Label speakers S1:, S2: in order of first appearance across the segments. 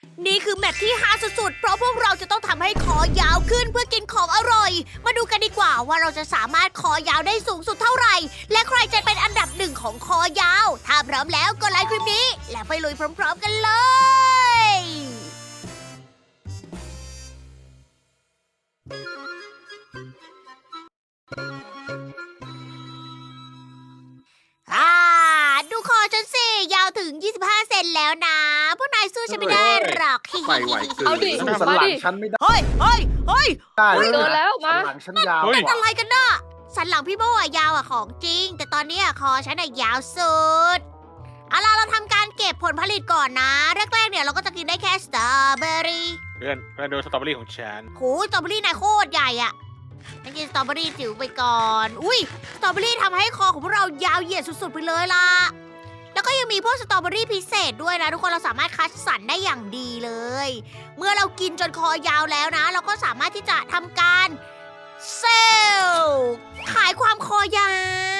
S1: นี่คือแมตช์ที่ฮาสุดๆ เพราะพวกเราจะต้องทำให้คอยาวขึ้นเพื่อกินของอร่อย มาดูกันดีกว่าว่าเราจะสามารถคอยาวได้สูงสุดเท่าไหร่ และใครจะเป็นอันดับหนึ่งของคอยาว ถ้าพร้อมแล้วก็ไลค์คลิปนี้ แล้วไปลุยพร้อมๆกันเลย อ่า ดูคอฉันสิ ยาวถึง 25 เซนแล้วนะ พวกนายสู้ฉันไม่ได้หรอก
S2: ไปไหวเกิน
S3: เอาดิ
S2: สู้สันหลังฉันไม่ได้
S1: เฮ้ยเฮ้ยเฮ้ย
S2: ได้
S3: เกินแล้วมา
S2: สันหลังฉันยาว
S1: เป็น
S2: กว่า
S1: อะไรกันน่ะสันหลังพี่โบอะยาวอะของจริง แต่ตอนนี้อะคอฉันอะยาวสุดเอาล่ะเราทำการเก็บผลผลิตก่อนนะ แรกๆเนี่ยเราก็จะกินได้แค่สตรอเบอรี่
S4: เพื่อนดูสตรอเบอรี่ของฉัน
S1: โหสตรอเบอรี่นายโคตรใหญ่อะฉันกินสตรอเบอรี่จิ๋วไปก่อน อุ้ยสตรอเบอรี่ทำให้คอของพวกเรายาวเหยียดสุดๆไปเลยล่ะ แล้วก็ยังมีพวกสตรอเบอรี่พิเศษด้วยนะทุกคนเราสามารถคัดสรรได้อย่างดีเลย เมื่อเรากินจนคอยาวแล้วนะ เราก็สามารถที่จะทำการเซลล์ขายความคอยาว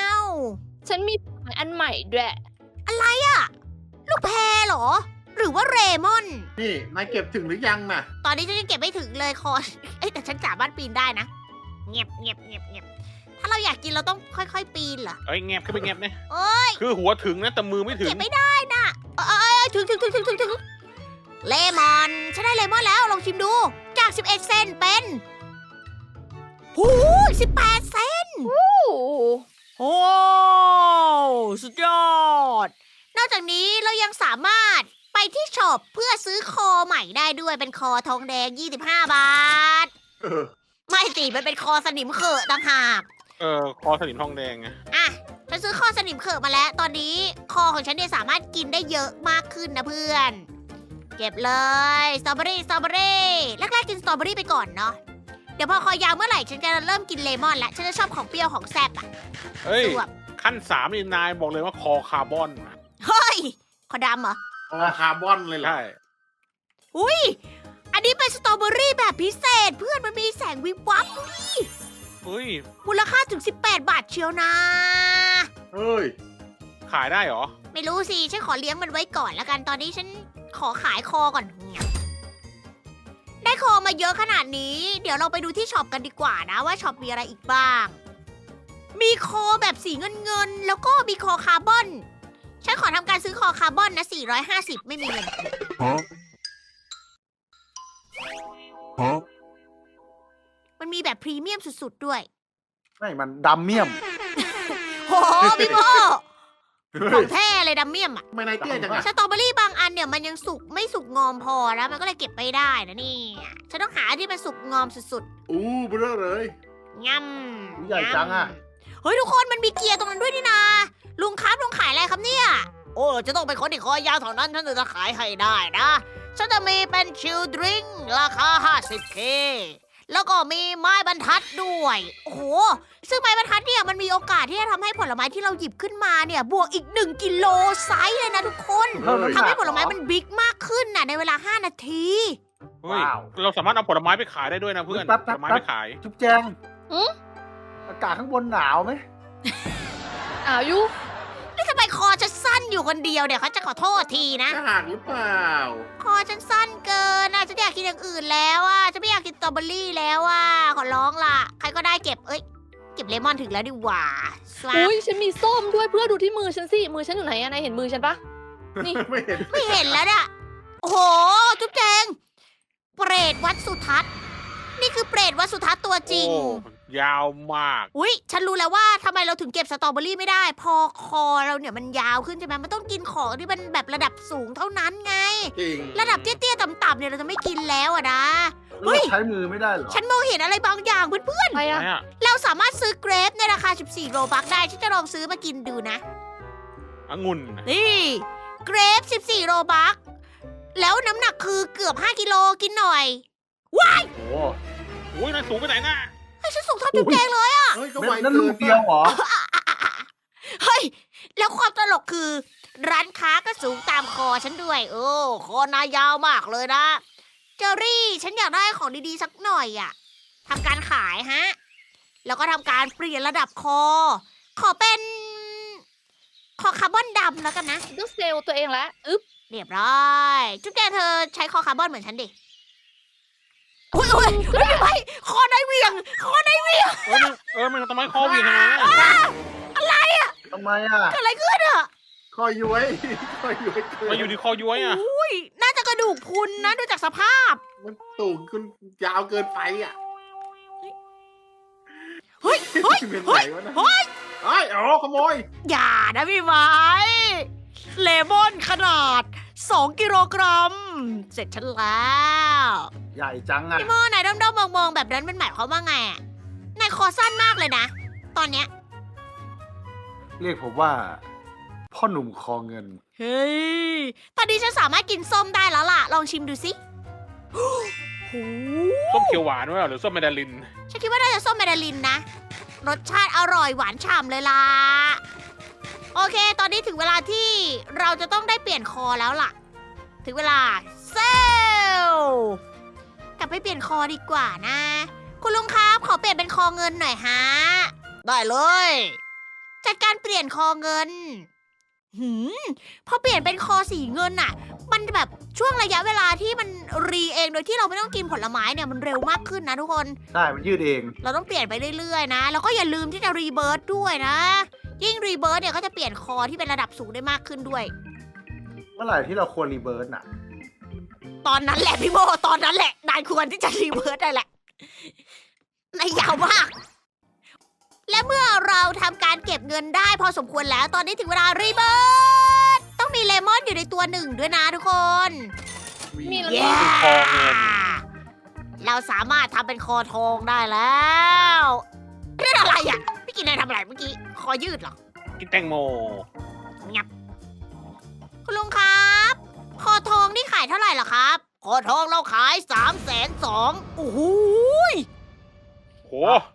S3: ฉันมีอันใหม่ด้วย
S1: อะไรอะลูกแพรเหรอ หรือว่าเรมอน
S2: นี่นายเก็บถึงหรือยังน่ะ
S1: ตอนนี้ฉันยังเก็บไม่ถึงเลยคอ เอ้ยแต่ฉันสามารถปีนได้นะ เงียบเงียบเงียบเงียบถ้าเราอยากกินเราต้องค่อยๆปีนเหรอ
S4: เอ้ยแงบขึ้นไปแงบเนี่ย
S1: เอ้ย
S4: คือหัวถึงนะแต่มือไม่ถึง
S1: เก็บไม่ได้น่ะถึงเลมอนฉันได้เลมอนแล้วลองชิมดู จาก 11 เซนเป็นหู18 เซน
S3: โอ้โห
S1: โอ้สุดยอด นอกจากนี้เรายังสามารถไปที่ช็อปเพื่อซื้อคอใหม่ได้ด้วยเป็นคอทองแดง 25 บาท
S2: เออ
S1: ไม่สิมันเป็นคอสนิมเขอะต่างหาก
S4: คอสนิมทองแดงไง
S1: อ่ะฉันซื้อคอสนิมเขอะมาแล้ว ตอนนี้คอของฉันเนี่ยสามารถกินได้เยอะมากขึ้นนะเพื่อน เก็บเลยสตรอเบอรี่แรกๆกินสตรอเบอรี่ไปก่อนเนาะ เดี๋ยวพอคอยาวเมื่อไหร่ฉันจะเริ่มกินเลมอนแล้ว ฉันจะชอบของเปรี้ยวของแซ่บอ่ะ
S4: เอ้ย
S1: สวบ
S4: ขั้น3นี่นายบอกเลยว่าคอคาร์บอน
S1: เฮ้ยคอดำเหรอ
S2: คาร์บอนเลยเหรอ
S4: ใช่
S1: อุ้ย อันนี้เป็นสตรอเบอรี่แบบพิเศษ เพื่อนมันมีแสงวิบวับ
S4: เฮ้ย
S1: มูลค่าถึง 18 บาทเชียวนะ
S2: เฮ้ย
S4: ขายได้เหรอ
S1: ไม่รู้สิ ฉันขอเลี้ยงมันไว้ก่อนแล้วกัน ตอนนี้ฉันขอขายคอก่อน ได้คอมาเยอะขนาดนี้ เดี๋ยวเราไปดูที่ช็อปกันดีกว่านะว่าช็อปมีอะไรอีกบ้าง มีคอแบบสีเงินแล้วก็มีคอคาร์บอน ฉันขอทำการซื้อคอคาร์บอนนะ450ไม่มีเงิน มันมีแบบพรีเมียมสุดๆด้วย
S2: ไม่มันดำเมี่ยม
S1: โหพี่โมของแท้เลยดัมเมียมอะ
S2: ไม่นายเตี้ยจังอะ
S1: สตรอเบอรี่บางอันเนี่ยมันยังสุกไม่สุกงอมพอนะมันก็เลยเก็บไม่ได้นะนี่ฉันต้องหาที่มันสุกงอมสุด
S2: อู้เบ้อเลย
S1: ๆง่ำ
S2: ใหญ่จังอะ
S1: เฮ้ยทุกคนมันมีเกียร์ตรงนั้นด้วยนี่นาลุงครับลุงขายอะไรครับเนี่ย โอ้จะต้องเป็นคนที่คอยาวเท่านั้นฉันถึงจะขายให้ได้นะฉันจะมีเป็นชิลดริงราคา 50K แล้วก็มีไม้บรรทัดด้วย โอ้โห ซึ่งไม้บรรทัดเนี่ยมันมีโอกาสที่จะทำให้ผลไม้ที่เราหยิบขึ้นมาเนี่ยบวกอีก 1 กิโลไซส์เลยนะทุกคน ทำให้ผลไม้มันบิ๊กมากขึ้นน่ะในเวลา 5 นาที
S4: เฮ้ย
S2: ว้าว
S4: เราสามารถเอาผลไม้ไปขายได้ด้วยนะเพื่อน
S2: แป๊บ
S4: ผลไม้ไปขาย
S2: จุ๊บแจงอากาศข้างบนหนาวไหม
S3: อ้าวยุ
S1: นี่ทำไมคอฉันสั้นอยู่คนเดียวเนี่ยเขาจะขอโทษทีนะ
S2: จะหักหรือเปล่า
S1: คอฉันสั้นเกินอ่ะฉันอยากกินอย่างอื่นแล้วอ่ะฉันไม่อยากกินสตรอเบอรี่แล้วอ่ะขอร้องล่ะ ใครก็ได้เก็บเก็บเลมอนถึงแล้วดีกว่าสวัส
S3: อุ้ยฉันมีส้มด้วยเพื่อดูที่มือฉันสิ มือฉันอยู่ไหนอะนายเห็นมือฉันปะ นี่
S2: ไม่เห็น
S1: ไม่เห็นแล้วเนี่ยโอ้โห จุ๊บแจง เปรตวัดสุทัศน์ นี่คือเปรตวัดสุทัศน์ตัวจริง
S4: โอ้ยาวมาก
S1: อุ๊ย ฉันรู้แล้วว่าทำไมเราถึงเก็บสตรอเบอรี่ไม่ได้ พอคอเราเนี่ยมันยาวขึ้นใช่ไหมมันต้องกินของที่มันแบบระดับสูงเท่านั้นไง
S2: จริง
S1: ระดับเตี้ยๆต่ำๆเนี่ยเราจะไม่กินแล้วอะนะ เฮ้
S2: เฮ้
S1: ย
S2: ยใช้มือไม่ได้เหรอ
S1: ฉันมองเห็นอะไรบางอย่างเพื่อน
S3: อะไรอะ
S4: ไหนอะ
S1: ๆ เราสามารถซื้อเกรปในราคา 14 โรบัคได้ ฉันจะลองซื้อมากินดูนะ
S4: องุ่น
S1: นี่เกรป 14 โรบัค แล้วน้ำหนักคือเกือบ 5 กิโลกินหน่อย ว้าย
S2: โอ้
S4: โอ้ยนายสูงไปไหนน่ะ
S1: เฮ้ยฉันสูงเท่าจุ๊บแจงเลย
S2: เฮ้ยก็
S5: เม็
S2: ไว
S5: ดนั่น
S2: เกิ
S5: ลู
S2: น
S5: กเดียวเหรอ
S1: เฮ้ย แล้วความตลกคือ ร้านค้าก็สูงตามคอฉันด้วย โอ้คอนายาวมากเลยนะ เจอรี่ ฉันอยากได้ของดีๆสักหน่อยอะทำการขายฮะ แล้วก็ทำการเปลี่ยนระดับคอ ขอเป็น คอคาร์บอนดำแล้วกันนะ
S3: ต้องเซลล์ตัวเองแล้วอึ๊บ
S1: เรียบร้อยจุ๊บแจงเธอใช้คอคาร์บอนเหมือนฉันดิอุ้ยพี่ไม้คอได้เหวี่ยงคอได้เหวี่ยง
S4: มันทำไมคอวิ่งทำไม
S2: ทำไมอ่ะ
S1: เกิดอะไรขึ้นอะ
S2: คอยย้วยคอยย้วยเกิ
S4: มาอยู่ที่คอย้วยอ่ะ
S1: อุ้ยน่าจะกระดูกพรุนนะดูจากสภาพ
S2: มันสูงขึ้นยาวเกินไปอ่ะ
S1: เฮ้ย
S2: เป็นไหนวะนะ
S1: เฮ้ย
S2: เฮ้ยอ๋อขโมย
S1: อย่านะพี่ไม้เลมอนขนาด2 กิโลกรัม เสร็จฉันแล้ว
S2: ใหญ่จังอ่ะ
S1: พี่โมนายด้อมๆมองๆแบบนั้นเป็นหมายความว่าไงอะนายคอสั้นมากเลยนะ ตอนเนี้ย
S2: เรียกผมว่า พ่อหนุ่มคอเงิน
S1: เฮ้ย ตอนนี้ฉันสามารถกินส้มได้แล้วล่ะ ลองชิมดูสิโอ้โห
S4: ส้มเขียวหวานด้วยหรือส้มแมนดาริน
S1: ฉันคิดว่าน่าจะส้มแมนดารินนะ รสชาติอร่อยหวานฉ่ำเลยล่ะ โอเค ตอนนี้ถึงเวลาที่เราจะต้องได้เปลี่ยนคอแล้วล่ะ ถึงเวลาเซลกลับไปเปลี่ยนคอดีกว่านะ คุณลุงครับ ขอเปลี่ยนเป็นคอเงินหน่อยฮะ ได้เลย จัดการเปลี่ยนคอเงิน พอเปลี่ยนเป็นคอสีเงินน่ะ มันแบบช่วงระยะเวลาที่มันรีเองโดยที่เราไม่ต้องกินผลไม้เนี่ยมันเร็วมากขึ้นนะทุกคน
S2: ใช่ มันยืดเอง
S1: เราต้องเปลี่ยนไปเรื่อยๆนะ แล้วก็อย่าลืมที่จะรีเบิร์ตด้วยนะ ยิ่งรีเบิร์ตเนี่ยก็จะเปลี่ยนคอที่เป็นระดับสูงได้มากขึ้นด้วย
S2: เมื่อไหร่ที่เราควรรีเบิร์ตน่ะ
S1: ตอนนั้นแหละพี่โบตอนนั้นแหละนายควรที่จะรีเบิร์ตได้แหละนายยาวมาก และเมื่อเราทำการเก็บเงินได้พอสมควรแล้ว ตอนนี้ถึงเวลารีเบิร์ตต้องมีเลมอนอยู่ในตัวหนึ่งด้วยนะทุกคน
S3: มีแล้ว
S1: เย้
S3: ก็
S4: คอเงิน
S1: เราสามารถทำเป็นคอทองได้แล้วเรื่องอะไรอ่ะพี่กินนายทำอะไรเมื่อกี้ คอยืดเหรอ
S4: กินแตงโม
S1: งับคุณลุงครับ คอทองนี่ขายเท่าไหร่เหรอครับ คอทองเราขาย320,000โอ้โห
S4: โห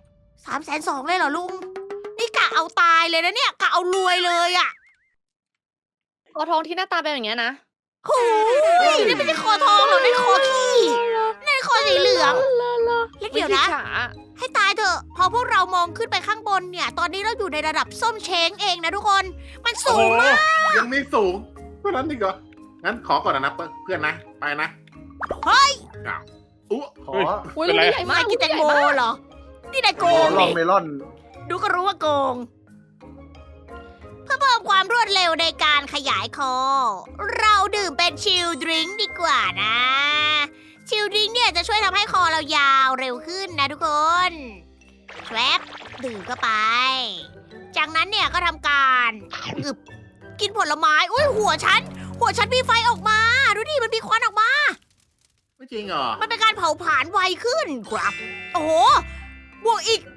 S1: 320,000เลยเหรอลุง นี่กะเอาตายเลยนะเนี่ยกะเอารวยเลยอ่ะ
S3: คอทองที่หน้าตาเป็นอย่างเงี้ยนะ
S1: โอ้ยนี่ไม่ใช่คอทองหรอกนี่คอขี้นี่คอสีเหลืองแล้วเดี๋ยวนะ
S3: วิธีฉา
S1: ให้ตายเถอะพอพวกเรามองขึ้นไปข้างบนเนี่ย ตอนนี้เราอยู่ในระดับส้มเช้งเองนะทุกคน มันสูงมาก
S2: ยังไม่สูงเท่านั้นอีกเหรอ งั้นขอก่อนนะเพื่อนนะ ไปนะ
S1: เฮ้ย
S2: อุ๊ขอ
S3: อุ้ย
S4: เป็นไร
S3: ลูกใหญ่มาก
S1: นายกินแตงโมเหรอ นี่นายโกง
S2: ลอง
S1: นี่
S2: เมลอน
S1: ดูก็รู้ว่าโกง เพื่อเพิ่มความรวดเร็วในการขยายคอ เราดื่มเป็นชิลดริงก์ดีกว่านะ ชิลดริงก์เนี่ยจะช่วยทำให้คอเรายาวเร็วขึ้นนะทุกคนแทรปดื่มเข้าไป จากนั้นเนี่ยก็ทำการอึบกินผลไม้ อุ้ยหัวฉันมีไฟออกมา ดูดิมันมีควันออกมา
S2: ไม่จริงเหรอ
S1: มันเป็นการเผาผลาญไวขึ้นครับ โอ้โห บวกอีก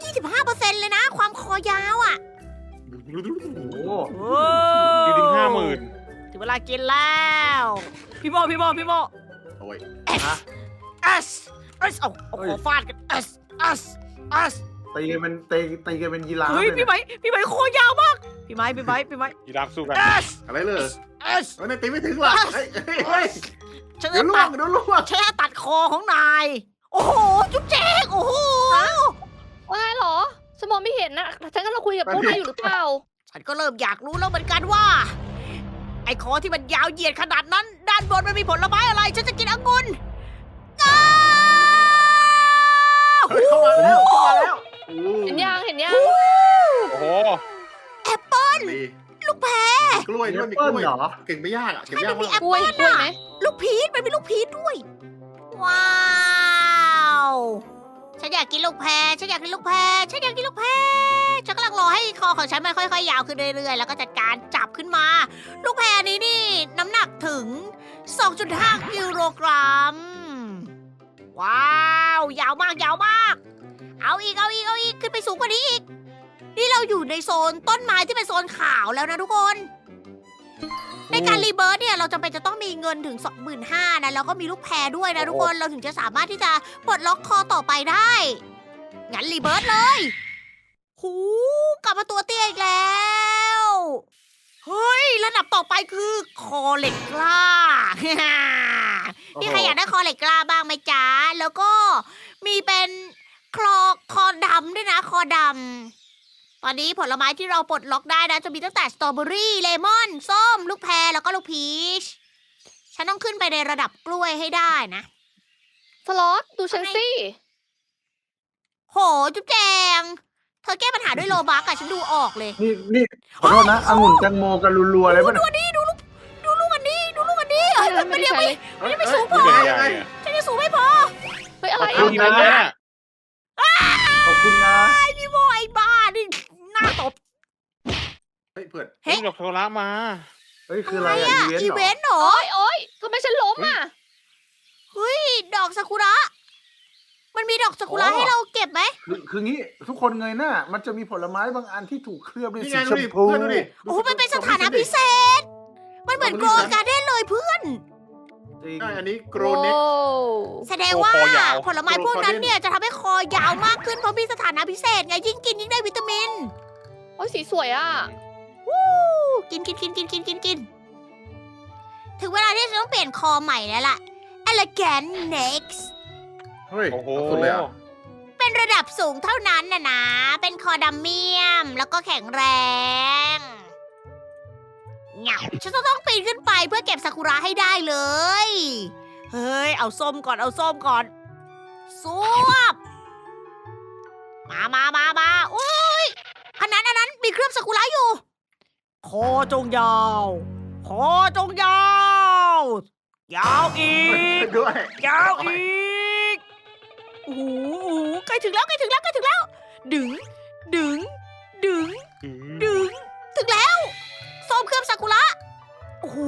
S1: 25%เลยนะ ความคอยาวอ่ะ
S2: โอ้โห
S4: จริงๆ50,000
S1: ถึงเวลากินแล้ว พี่โม
S2: โอ้ย
S1: S S S เอาขอฟาดกัน S S S
S2: ตีกันเป็นยีราฟ
S1: เฮ้ย
S2: เลย
S1: พี่ไม้คอยาวมาก พี่ไม้
S4: ยีราฟสู้กัน
S1: S
S2: อะไรเลย
S1: S
S2: เฮ้ยตีไม่ถึงหรอกเฮ้ย
S1: ฉัน
S2: เดี๋
S1: จะ
S2: ยวล่ว
S1: ตั
S2: ง
S1: ด
S2: เดี๋ยวล่วง
S1: ฉันจะตัดคอของนาย โอ้โห จุ๊บแจ๊กโอ้โห
S3: ว่าไงเหรอฉันมองไม่เห็นนะฉันกำลังคุยกับพวกนายอยู่หรือเปล่า
S1: ฉันก็เริ่มอยากรู้แล้วเหมือนกันว่า ไอ้คอที่มันยาวเหยียดขนาดนั้น ด้านบนมันมีผลไม้อะไร ฉันจะกินองุ่นอ้าว
S2: เฮ้ยเข้ามาแล้วโอ้
S3: เห็นยัง
S4: โอ้โห
S1: แอปเปิ้ล
S2: มี
S1: ลูกแพร
S2: กล้วยด้วยมีก
S5: เปิ้ล
S2: ล้วย
S5: เหรอ
S2: เก่งไม่ยากอ่ะเก่งไม่ยาก
S1: มี
S2: มาก
S1: แอป
S3: กล้วย
S1: เปิ้ล
S3: กล้วย
S1: อะ
S3: ไหม
S1: ลูกพีชมันมีลูกพีชด้วย ว้าว ฉันอยากกินลูกแพรฉันอยากกินลูกแพรฉันกำลังรอให้คอของฉันมันค่อยๆ ยาวขึ้นเรื่อยๆ แล้วก็จัดการจับขึ้นมา ลูกแพรนี้นี่น้ำหนักถึง 2.5 กิโลกรัม ว้าว ยาวมาก เอาอีก ขึ้นไปสูงกว่านี้อีก นี่เราอยู่ในโซนต้นไม้ที่เป็นโซนขาวแล้วนะทุกคน ในการรีเบิร์ตเนี่ยเราจำเป็นจะต้องมีเงินถึง 25,000 นะแล้วก็มีลูกแพรด้วยนะทุกคนเราถึงจะสามารถที่จะปลดล็อกคอต่อไปได้ งั้นรีเบิร์ตเลยหูกลับมาตัวเตี้ยอีกแล้ว เฮ้ยระดับต่อไปคือคอเหล็กกล้า พี่ใครอยากได้คอเหล็กกล้าบ้างไหมจ๊ะ แล้วก็มีเป็นคอดำด้วยนะ คอดำ ตอนนี้ผลไม้ที่เราปลดล็อกได้นะจะมีตั้งแต่สตรอเบอรี่เลมอนส้มลูกแพรแล้วก็ลูกพีชฉันต้องขึ้นไปในระดับกล้วยให้ได้นะ
S3: สล็อตดูฉันสิ
S1: โหจุ๊บแจง เธอแก้ปัญหาด้วยโลบักอะฉันดูออกเลย
S5: นี่ขอโทษนะองุ่นแตงโมกันรัวๆเลย
S1: ดู
S5: ป่ะ
S1: ดูนี่ดูลูกอันนี้ดูลูกอันนี้เอ้ยมันยังไม่ ไม่สูงพอ
S4: ใหญ่ๆอะ
S1: ฉันยังสูงไม่พอ
S3: เฮ้ยอะไร
S5: ขอบ
S3: อ่ะ
S5: คุณ
S4: ทีละ
S5: นะ
S4: แย่
S5: ขอบคุณนะ
S1: ไอพี่โมไอ้บ้านี่หน้าตบ
S2: เฮ้ยเพื่อน
S1: เฮ้ย
S4: ดอกโทรละมา
S5: เฮ้ยคือ
S1: อะ
S5: อะไร ไร
S1: อะ
S5: อะ
S1: อีเวนต์เหรอ
S3: โอ๊ยทำไมฉันล้มอ่ะ
S1: เฮ้ยดอกซากุระ มันมีดอกซากุระให้เราเก็บไหม
S5: คืองี้ทุกคนเงยหน้ามันจะมีผลไม้บางอันที่ถูกเคลือบด้วย
S2: นี่
S5: สี
S2: ไง
S5: ช
S2: ดู
S5: ม
S2: ดิ
S5: พู
S2: เพื่อนดูดิ
S1: โอ้โหมันเป็นสถานะพิเศษ มันเหมือนโกลด์การ์เด้นเลยเพื่อน
S5: จริง
S2: ใช่อันนี้โกรเน็ก
S3: โอ้
S1: แสดงว่า
S4: คอยาว
S1: ผลไม้พวกนั้นเนี่ยจะทำให้คอยาวมากขึ้นเพราะมีสถานะพิเศษไงยิ่งกินยิ่งได้วิตามิน
S3: โอ้ยสีสวยอ่ะ
S1: วู้กินถึงเวลาที่จะต้องเปลี่ยนคอใหม่แล้วล่ะ Elegant Next
S2: เฮ้ย
S4: โอ้โห
S2: เอาสุดเลยอ่ะ
S1: เป็นระดับสูงเท่านั้นนะ เป็นคอดัมเมียม แล้วก็แข็งแรงเหงาฉันต้องปีนขึ้นไปเพื่อเก็บซากุระให้ได้เลย เฮ้ย เอาส้มก่อนสวบ มาอุ้ย อันนั้นมีเครื่องซากุระอยู่ คอจงยาว ยาวอีก
S2: ด้วย
S1: ยาวอีก โอ้โหใกล้ถึงแล้ว ดึง ถึงแล้วส้มเครื่องซากุระ โอ้โห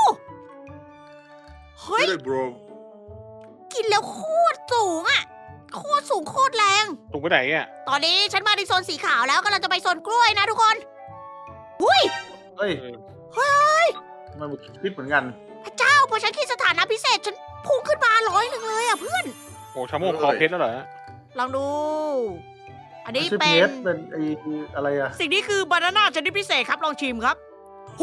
S1: เฮ้ย
S2: เลย bro
S1: กินแล้วโคตรสูงอะโคตรสูงโคตรแรง
S4: ตรงไปไหนอ่ะ
S1: ตอนนี้ฉันมาในโซนสีขาวแล้วกำลังจะไปโซนกล้วยนะทุกคน อุ้ย
S5: เฮ้ยมันคิดเหมือนกัน
S1: พระเจ้าพอฉันคิดสถานะพิเศษฉันพุ่งขึ้นมา100เลยอะเพื่อน
S4: โอ้ชาโมกคอเพชรแล้วเหรอ
S1: ลองดู อันนี้
S5: ไม่ใช่
S1: เป็
S5: เพ
S1: น
S5: ชรเป็นไออะไรอะ
S1: สิ่งนี้คือบานาน่าชนิดพิเศษครับลองชิมครับ หู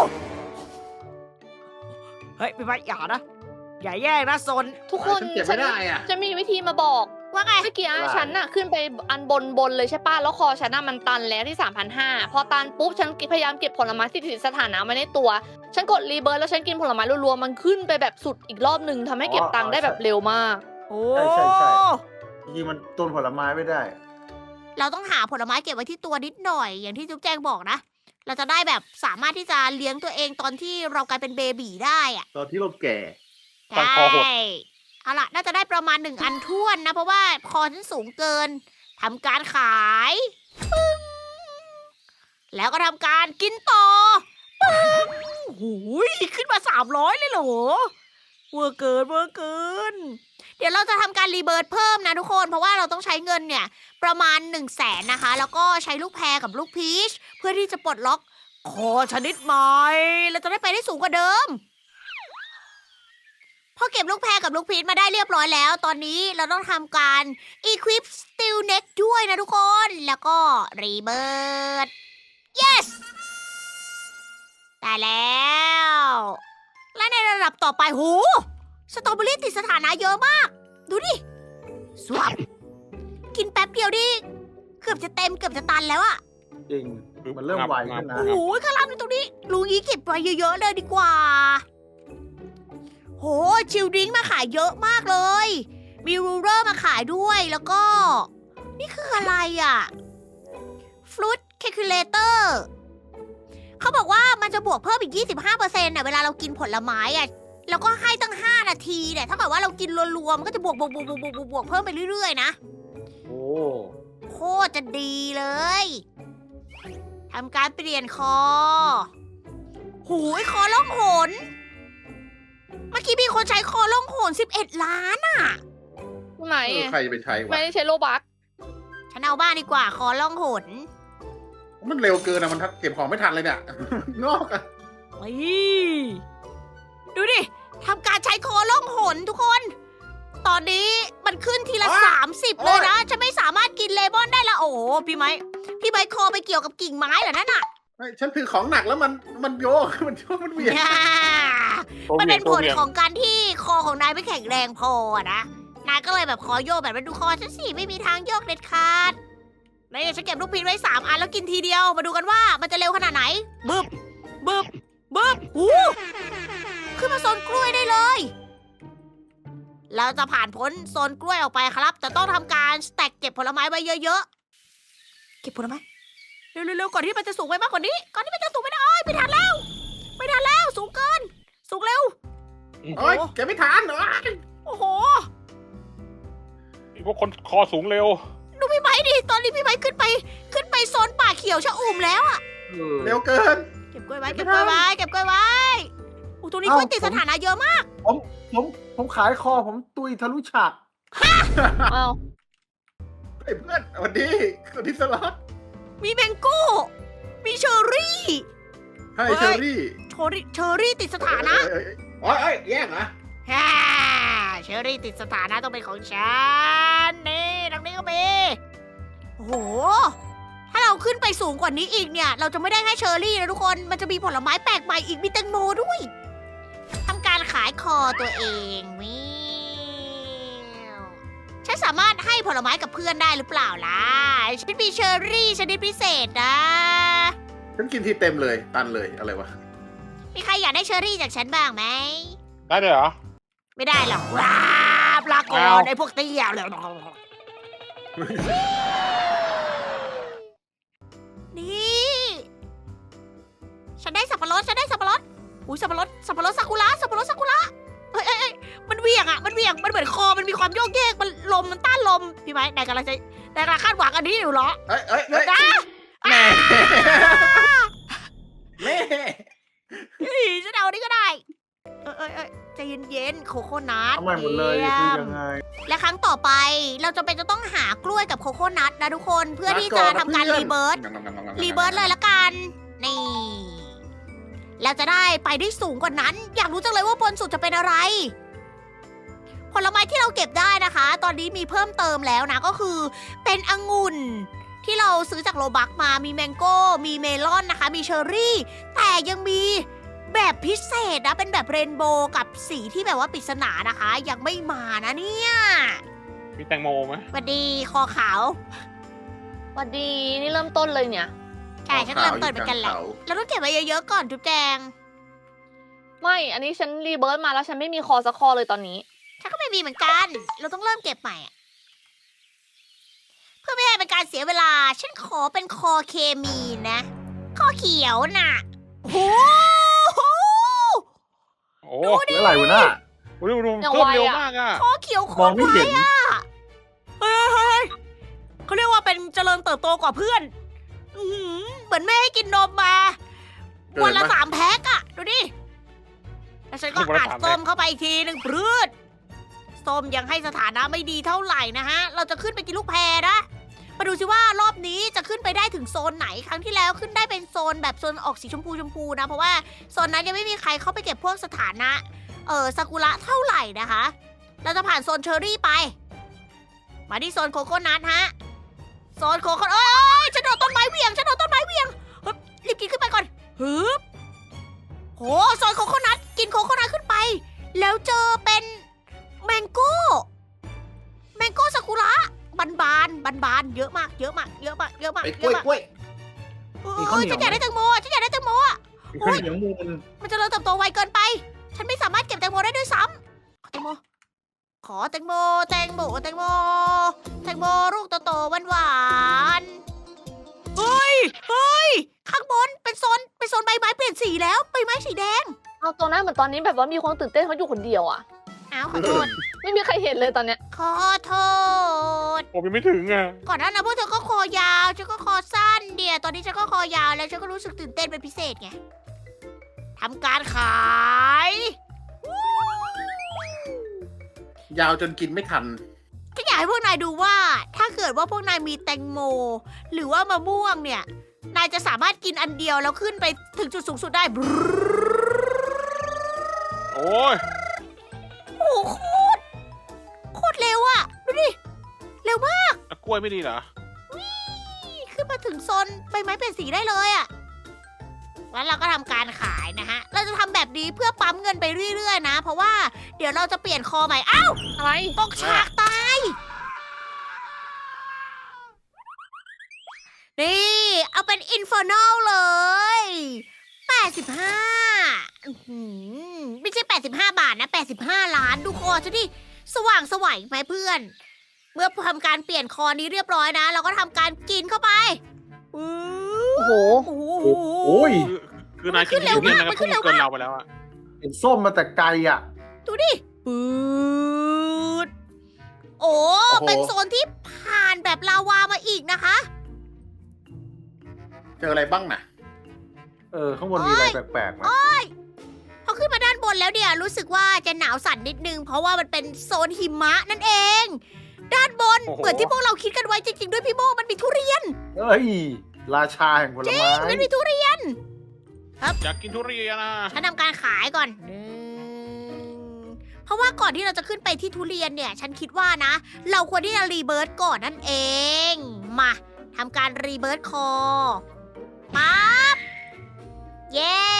S1: เฮ้ยพี่ไม้อย่านะ อย่าแย่งนะโซน
S3: ทุกคน
S2: ฉันเก็บไม่ได้อ่ะ
S3: จะมีวิธีมาบอก
S1: ว่าไง
S3: เมื่อกี้ฉันน่ะขึ้นไปอันบนเลยใช่ป่ะแล้วคอฉันน่ะมันตันแล้วที่ 3,500 พอตันปุ๊บฉันพยายามเก็บผลไม้ที่ติดสถานะไว้ในตัว ฉันกดรีเบิร์ตแล้วฉันกินผลไม้รัวๆมันขึ้นไปแบบสุดอีกรอบหนึ่งทำให้เก็บตังค์ได้แบบเร็วมาก
S1: โอ้
S5: ใช่จริงๆมันต้นผลไม้ไม่ได้
S1: เราต้องหาผลไม้เก็บไว้ที่ตัวนิดหน่อย อย่างที่จุ๊บแจงบอกนะ เราจะได้แบบสามารถที่จะเลี้ยงตัวเองตอนที่เรากลายเป็นเบบีได้อะ
S2: ตอนที่เราแก่
S4: ฟันคอหด
S1: ใช่เอาล่ะ น่าจะได้ประมาณ1 อันท้วนนะ เพราะว่าคอฉันสูงเกินทำการขายปึ้งแล้วก็ทำการกินต่อปึ้งหูยขึ้นมา300เลยเหรอเวอร์เกิน เดี๋ยวเราจะทำการรีเบิร์ตเพิ่มนะทุกคน เพราะว่าเราต้องใช้เงินเนี่ยประมาณ100,000นะคะ แล้วก็ใช้ลูกแพรกับลูกพีชเพื่อที่จะปลดล็อกคอชนิดใหม่เราจะได้ไปได้สูงกว่าเดิม พอเก็บลูกแพรกับลูกพีชมาได้เรียบร้อยแล้ว ตอนนี้เราต้องทำการ equip steel neck ด้วยนะทุกคน แล้วก็ rebirth yes ได้แล้ว และในระดับต่อไปหูสตรอเบอรี่ติดสถานะเยอะมาก ดูดิ สวับกินแป๊บเดียวดิเกือบจะเต็มเกือบจะตันแล้วอะ
S5: จริง มันเริ่มไวขึ้นนะ
S1: โอ้โหข้างล่างนี่ตรงนี้ลุงนี้เก็บไว้เยอะๆเลยดีกว่า โหชิลดริงก์มาขายเยอะมากเลย มีรูเลอร์มาขายด้วย แล้วก็ นี่คืออะไรอ่ะฟลุตแคคูลเลเตอร์เขาบอกว่ามันจะบวกเพิ่มอีก 25%น่ะเวลาเรากินผลไม้อ่ะ แล้วก็ให้ตั้ง5 นาทีเนี่ยถ้าเกิดว่าเรากินรวมๆมันก็จะบวกเพิ่มไปเรื่อยๆนะ
S5: โอ้
S1: โคตรจะดีเลยทำการเปลี่ยนคอหูยคอล่องหน เมื่อกี้มีคนใช้คอล่องหน11 ล้านอ่ะ
S3: ไหน
S2: ใครจะไปใช้วะ
S3: ไม่ได้ใช้โลบัก
S1: ฉันเอาบ้านดีกว่าคอล่องหน
S2: มันเร็วเกินอะมันเก็บของไม่ทันเลยเนี่ย นอกอะ
S1: ดูดิทำการใช้คอล่องหนทุกคน ตอนนี้มันขึ้นทีละ30เลยนะ ฉันไม่สามารถกินเลมอนได้ละโอ้โหพี่ไม้คอไปเกี่ยวกับกิ่งไม้เหรอนั่นน่ะ
S2: ไม่ฉันถือของหนักแล้วมันโยก มันเวียน
S1: มันเป็นผลของการที่คอของนายไม่แข็งแรงพอนะ นายก็เลยแบบคอโยกแบบนั้นดูคอฉันสิไม่มีทางโยกเด็ดขาดแล้วเดี๋ยวฉันเก็บลูกพีชไว้3 อันแล้วกินทีเดียว มาดูกันว่ามันจะเร็วขนาดไหน บึบหูขึ้นมาโซนกล้วยได้เลย เราจะผ่านพ้นโซนกล้วยออกไปครับแต่ต้องทำการสแต็กเก็บผลไม้ไว้เยอะๆ เก็บผลไม้ เร็วๆก่อนที่มันจะสูงไปมากกว่านี้ ก่อนที่มันจะสูงไปได้ไม่ทันแล้ว ไม่ทันแล้ว สูงเกิน สูงเร็ว
S2: โอ้ยแกไม่ทานเหรอ
S1: โอ้โห
S4: พวกคนคอสูงเร็ว
S1: ดูพี่ไม้ดิ ตอนนี้พี่ไม้ขึ้นไปโซนป่าเขียวชะอุ่มแล้วอะ
S2: เร็วเกิน
S1: เก็บกล้วยไว้ เก็บกล้วยไว้ เก็บกล้วยไว้อู้ตรงนี้กล้วยติดสถานะเยอะมาก
S5: ผมขายคอผมตุยทะลุฉาก
S3: อ้าว
S2: ไอ้เพื่อนสวัสดีคนที่สล็อต
S1: มีแมงโก้ มีเชอร์รี่
S2: ให้เชอรี่
S1: เชอร์รี่ติดสถานะ
S2: โอ้ยแย่งเหรอ
S1: ฮ่าเชอรี่ติดสถานะต้องเป็นของฉัน นี่ตรงนี้ก็มีโอ้โห ถ้าเราขึ้นไปสูงกว่านี้อีกเนี่ย เราจะไม่ได้แค่เชอร์รี่นะทุกคน มันจะมีผลไม้แปลกใหม่อีก มีแตงโมด้วยทำการขายคอตัวเองวิวฉันสามารถให้ผลไม้กับเพื่อนได้หรือเปล่าล่ะ ฉันมีเชอร์รี่ชนิดพิเศษนะ
S2: ฉันกินทีเต็มเลยตันเลยอะไรวะ
S1: มีใครอยากได้เชอร์รี่จากฉันบ้างไหม
S4: ได้เลยเหรอ
S1: ไม่ได้หรอกว้าปลาก่อ
S4: เอา
S1: นไอ้พวกเตี้ยเลยนี่ ฉันได้สับปะรดอุ้ยสับปะรดซากุระสับปะรดซากุระเอ้ยมันเหวี่ยงมันเหมือนคอมันมีความโยกเยกมันลมมันต้านลมพี่ไม้นายกำลังคาดหวังอันนี้อยู่เหรอ
S2: เอ้ย
S1: เดี๋ยวนะ
S2: แม่แม่
S1: ฉันเอาอันนี้ก็ได้ใจเย็นๆโคโค่นัท
S5: ทำไมหมดเลยคือยังไง
S1: และครั้งต่อไปเราจะเป็นจะต้องหากล้วยกับโคโค่นัทนะทุกคนเพื่อที่จะทำการรีเบิร์ตเลยละกัน นี่ เราจะได้ไปได้สูงกว่านั้น อยากรู้จังเลยว่าบนสุดจะเป็นอะไร ผลไม้ที่เราเก็บได้นะคะ ตอนนี้มีเพิ่มเติมแล้วนะก็คือเป็นองุ่นที่เราซื้อจากโลบักมามีแมงโก้มีเมลอนนะคะ มีเชอร์รี่ แต่ยังมีแบบพิเศษนะเป็นแบบเรนโบว์กับสีที่แบบว่าปริศนานะคะ ยังไม่มานะเนี่ย
S4: มีแตงโมไหม
S1: สวัสดีคอขาว
S3: สวัสดีนี่เริ่มต้นเลยเนี่ย
S1: ใช่ฉันเริ่มต้นเหมือนกันแหละเราต้องเก็บไว้เยอะๆก่อนจุ๊บแจง
S3: ไม่ อันนี้ฉันรีเบิร์ตมาแล้วฉันไม่มีคอสักคอเลยตอนนี้
S1: ฉันก็ไม่มีเหมือนกัน เราต้องเริ่มเก็บใหม่อะเพื่อไม่ให้เป็นการเสียเวลา ฉันขอเป็นคอเคมีนะคอเขียวน่ะโอ้โห
S4: โอ้
S5: เหลืออะไรวะน่ะ
S4: โหดู
S3: ยัง
S4: เพิ่ม
S3: ไว
S4: เร็ว
S3: อะ
S4: มากอ่ะ
S1: คอเขียวโค
S5: มอง
S1: ตร
S5: ไม่
S1: ไว
S5: เห็น
S1: อะเฮ้ยเขาเรียกว่าเป็นเจริญเติบโตกว่าเพื่อนอื้อหือเหมือนแม่ให้กินนมมา วันละ3 แพ็คอะดูดิ แล้วฉันก็อัดส้มเข้าไปอีกทีหนึ่งปรืดส้มยังให้สถานะไม่ดีเท่าไหร่นะฮะ เราจะขึ้นไปกินลูกแพรนะ มาดูสิว่ารอบนี้จะขึ้นไปได้ถึงโซนไหน ครั้งที่แล้วขึ้นได้เป็นโซนแบบโซนออกสีชมพูนะ เพราะว่าโซนนั้นยังไม่มีใครเข้าไปเก็บพวกสถานะซากุระเท่าไหร่นะคะ เราจะผ่านโซนเชอร์รี่ไป มาที่โซนโคโค่นัทฮะ โซนโคโค่เอ้ยฉันโดนต้นไม้เหวี่ยงเฮ้ยรีบกินขึ้นไปก่อนฮึบโหโซนโคโค่นัทกินโคโค่นัทขึ้นไป แล้วเจอเป็นแมงโก้ซากุระบานเยอะมาก
S2: ไอ้กล้วย
S1: ฉันอยากได้แตงโมอะ
S5: มีข้าวเหนียวมูน
S1: มันจะเริ่มเติบโตไวเกินไป ฉันไม่สามารถเก็บแตงโมได้ด้วยซ้ำขอแตงโมลูกโตๆหวานๆเฮ้ย ข้างบนเป็นโซนใบไม้เปลี่ยนสีแล้วใบไม้สีแดง
S3: เอาตัวหน้าเหมือนตอนนี้แบบว่ามีคนตื่นเต้นเขาอยู่คนเดียวอะ
S1: อ้าวขอโทษ
S3: ไม่มีใครเห็นเลยตอนเนี้ย
S1: ขอโทษ
S4: ผมยังไม่ถึงอ่ะ
S1: ก่อนหน้านั้นพวกเธอก็คอยาวฉันก็คอสั้นเดียวตอนนี้ฉันก็คอยาวแล้วฉันก็รู้สึกตื่นเต้นเป็นพิเศษไงทำการขาย
S2: ยาวจนกินไม่ทัน
S1: ก็อยากให้พวกนายดูว่า ถ้าเกิดว่าพวกนายมีแตงโม หรือว่ามะม่วงเนี่ย นายจะสามารถกินอันเดียวแล้วขึ้นไปถึงจุดสูงสุดได้
S4: โอ้ย
S1: โอ้โหโคตรเร็วอะดูดิ เร็วมาก
S4: แล้วกล้วยไม่ดีเหรอ
S1: ขึ้นมาถึงโซนใบไม้เปลี่ยนสีได้เลยอะแล้วเราก็ทำการขายนะฮะ เราจะทำแบบนี้เพื่อปั๊มเงินไปเรื่อยๆนะ เพราะว่าเดี๋ยวเราจะเปลี่ยนคอใหม่ อ้าว
S3: อะไร
S1: ตกฉากตาย นี่ เอาเป็นอินฟอร์นอลเลย 85ไม่ใช่85 บาทนะ85 ล้านดูคอฉันดิสว่างไสวไหมเพื่อน เมื่อทำการเปลี่ยนคอนี้เรียบร้อยนะ เราก็ทำการกินเข้าไป
S3: โอ้โห
S1: โอ้โห
S5: โอ้ย
S4: คือนายกินอยู่เนี่ยนะครับพุ่งเกินเราไปแล้วอะ
S5: เห็นส้มมาแต่ไกลอ่ะ
S1: ดูดิปืดโอ้ เป็นโซนที่ผ่านแบบลาวามาอีกนะคะ
S2: เจออะไรบ้างน่ะ
S5: ข้างบนมีอะไรแปลกๆไหม
S1: พอขึ้นมาด้านบนแล้วเนี่ยรู้สึกว่าจะหนาวสั่นนิดนึง เพราะว่ามันเป็นโซนหิมะนั่นเอง ด้านบนเหมือนที่พวกเราคิดกันไว้จริงๆด้วยพี่โมมันมีทุเรียน
S5: เอ้ย ราชาแห่งผลไม้
S1: มันมีทุเรียน
S4: อยากกินทุเรียนนะ
S1: ฉันทำการขายก่อนเพราะว่าก่อนที่เราจะขึ้นไปที่ทุเรียนเนี่ย ฉันคิดว่านะ เราควรที่จะรีเบิร์ตก่อนนั่นเอง มาทำการรีเบิร์ตคอปั๊บเย้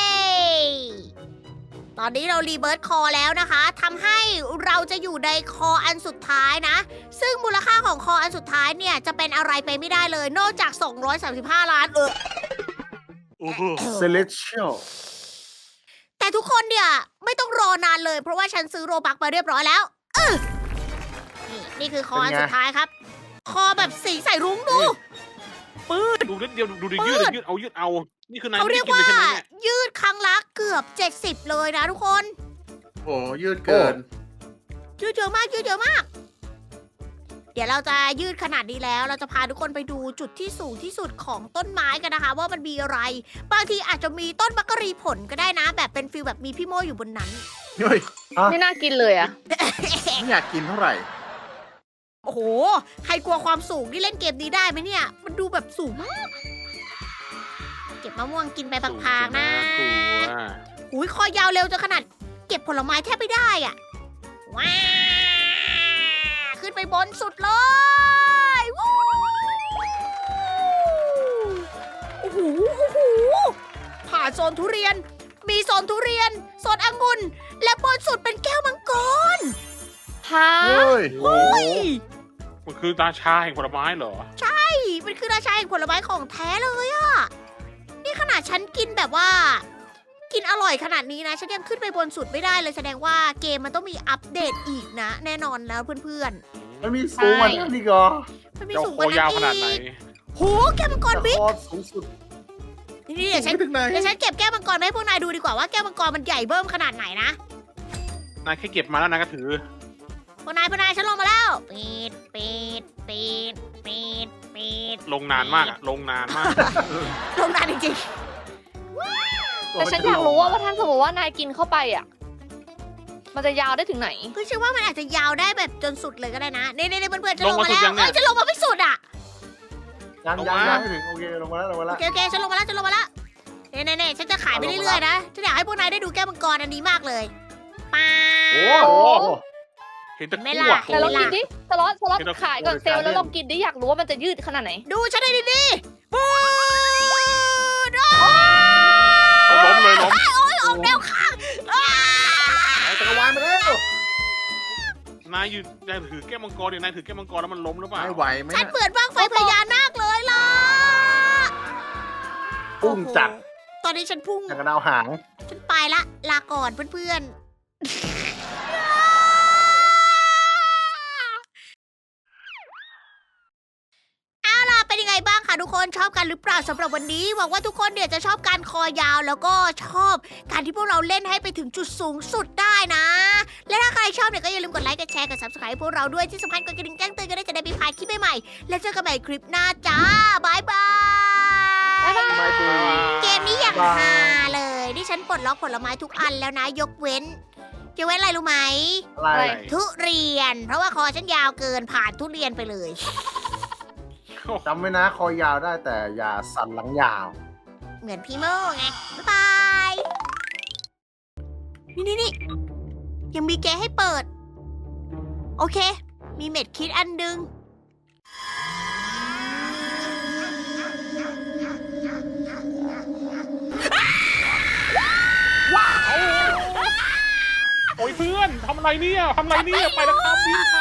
S1: ตอนนี้เรารีเบิร์ตคอแล้วนะคะทำให้เราจะอยู่ในคออันสุดท้ายนะ ซึ่งมูลค่าของคออันสุดท้ายเนี่ยจะเป็นอะไรไปไม่ได้เลย นอกจาก 235 ล้าน
S4: โอ้โห
S5: เซเลเชียล
S1: แต่ทุกคนเนี่ยไม่ต้องรอนานเลย เพราะว่าฉันซื้อโรบักมาเรียบร้อยแล้วนี่คือคออันสุดท้ายครับ คอแบบสีใส่รุ้งดู
S4: ดูนิดเดียวดูดิยืดเอา นี่คือนาย
S1: เขา
S4: ไม่
S1: เรี
S4: ได้
S1: ยก
S4: กินเล
S1: ว่าย
S4: ใช่ไหมเนี่ย
S1: ยืดครั้งละเกือบ 70 เลยนะทุกคน
S2: โอ้ยืดเกิน
S1: ยืดเยอะมากยืดเยอะมาก เดี๋ยวเราจะยืดขนาดนี้แล้ว เราจะพาทุกคนไปดูจุดที่สูงที่สุดของต้นไม้กันนะคะ ว่ามันมีอะไร บางทีอาจจะมีต้นมักกะรีผลก็ได้นะ แบบเป็นฟิลแบบมีพี่โมอยู่บนนั้น
S2: เฮ้ย
S3: ไม่น่ากินเลยอะ
S2: ไม่อยากกินเท่าไหร่
S1: โอ้โห ใครกลัวความสูงที่เล่นเกมนี้ได้ไหมเนี่ย มันดูแบบสูงมาก เก็บมะม่วงกินไปพางๆนะ
S4: กลัว
S1: หุยคอยาวเร็วจนขนาดเก็บผลไม้แทบไม่ได้อ่ะ ว้าว ขึ้นไปบนสุดเลยวู้โอ้โหโอ้โหผ่านโซนทุเรียน มีโซนทุเรียน โซนองุ่น และบนสุดเป็นแก้วมังกร
S3: ฮะ
S5: เฮ้ย
S1: เฮ้ย
S4: มันคือราชาแห่งผลไม้เหรอ
S1: มันคือราชาแห่งผลไม้ของแท้เลยอะนี่ขนาดฉันกินแบบว่า กินอร่อยขนาดนี้นะ ฉันยังขึ้นไปบนสุดไม่ได้เลยแสดงว่าเกมมันต้องมีอัปเดตอีกนะ แน่นอนแล้วเพื่อน
S5: มันมีสูงกว่านั้นอีกเหรอ
S1: ๆมันมี
S4: เจ้า
S1: สูง
S4: โค
S1: กว่านั้
S4: ยาวน ข
S1: อี
S4: นาดไหน
S1: กโหแก้วมังกร
S5: แต่
S1: บิ๊ก
S5: คอสูงสุด
S1: นี่เดี๋ยวฉัน
S2: ไม่ถึงไหน
S1: เดี๋ยวฉันเก็บแก้วมังกรมาให้พวกนายดูดีกว่าว่าแก้วมังกรมันใหญ่เบิ่มขนาดไหนนะ
S4: นายแค่เก็บมาแล้วนายก็ถือ
S1: พวกนายฉันลงมาแล้วปีดปีดปีดปีดปีด
S4: ลงนานมากอะลงนานมาก
S1: ลงนานจริง
S3: แต่ฉันอยากรู้ว่าถ้าสมมติว่านายกินเข้าไปอะมันจะยาวได้ถึงไหน
S1: ๆคือเชื่อว่ามันอาจจะยาวได้แบบจนสุดเลยก็ได้นะนี่ๆเพื่อนๆฉันลงมา
S4: ลงมาสุด
S1: แล้ว
S4: ยังเนี่ย
S1: เอ้ยฉันลงมาไม่สุดอ่ะ
S5: ยัง
S4: ลง
S5: ยัง
S4: มา
S5: ยังไม่ถึง โอเค ลงมาแล้ว ลงมาแล้ว
S1: โอเคฉันลงมาแล้วเน่ๆฉันจะขายไปเรื่อยๆนะฉันอยากให้พวกนายได้ดูแก้วมังกรอันนี้มากเลยป้า
S5: โอ้
S1: ว
S5: โห
S4: เห็นแต่
S1: ไม่
S4: ขั้ว
S1: ล่ะ
S3: แต่ลองกินดิสล็อต
S4: เห็นแล้ว
S3: ขายก่อนเซลล์แล้วลองกินดิอยากรู้ว่ามันจะยืดขนาดไหน
S1: ดูฉันได้ดีๆปูด
S4: ล้มเลยล้ม
S1: โอ้ยออกแนวข้างอ้า
S5: เอาจักรวาลมาแล้ว
S4: นายถือแก้วมังกรเดี๋ยวนายถือแก้วมังกรแล้วมันล้มหรือเปล่า
S2: ไม่ไหวไหม
S1: ฉัน
S2: น่ะ
S1: เปิดบ้างไฟพญานาคเลยล่ะ
S5: พุ่งจัด
S1: โอ้โหตอนนี้ฉันพุ่ง
S5: อย่างกระดาวหาง
S1: ฉันไปละ ลาก่อนเพื่อนๆ เอาล่ะ เป็นยังไงบ้างคะทุกคนชอบกันหรือเปล่าสำหรับวันนี้หวังว่าทุกคนเนี่ยจะชอบการคอยาวแล้วก็ชอบการที่พวกเราเล่นให้ไปถึงจุดสูงสุดได้นะ และถ้าใครชอบเนี่ยก็อย่าลืมกดไลค์กดแชร์กด subscribe พวกเราด้วยที่สำคัญกดกระดิ่งแจ้งเตือนกันได้จะได้ไม่พลาดคลิปใหม่ๆและเจอกันใหม่คลิปหน้าจ้าบายบาย
S3: บ๊ายบาย
S5: ไม่ดี
S1: เกมนี้อย่าง
S5: บาย
S1: ฮาเลยนี่ฉันปลดล็อกผลไม้ทุกอันแล้วนะ ยกเว้นอะไรรู้ไหม
S5: อะไร
S1: ทุเรียน เพราะว่าคอฉันยาวเกินผ่านทุเรียนไปเลย
S5: จำไว้นะ คอยาวได้แต่อย่าสั่นหลังยาว
S1: เหมือนพี่โม่ไง บ๊ายบายนี่ยังมีแกะให้เปิด โอเค มีเม็ดคิดอันดึง
S4: โอ้ยเพื่อนทำอะไรเนี่ยไปแล้วครับวิ่ง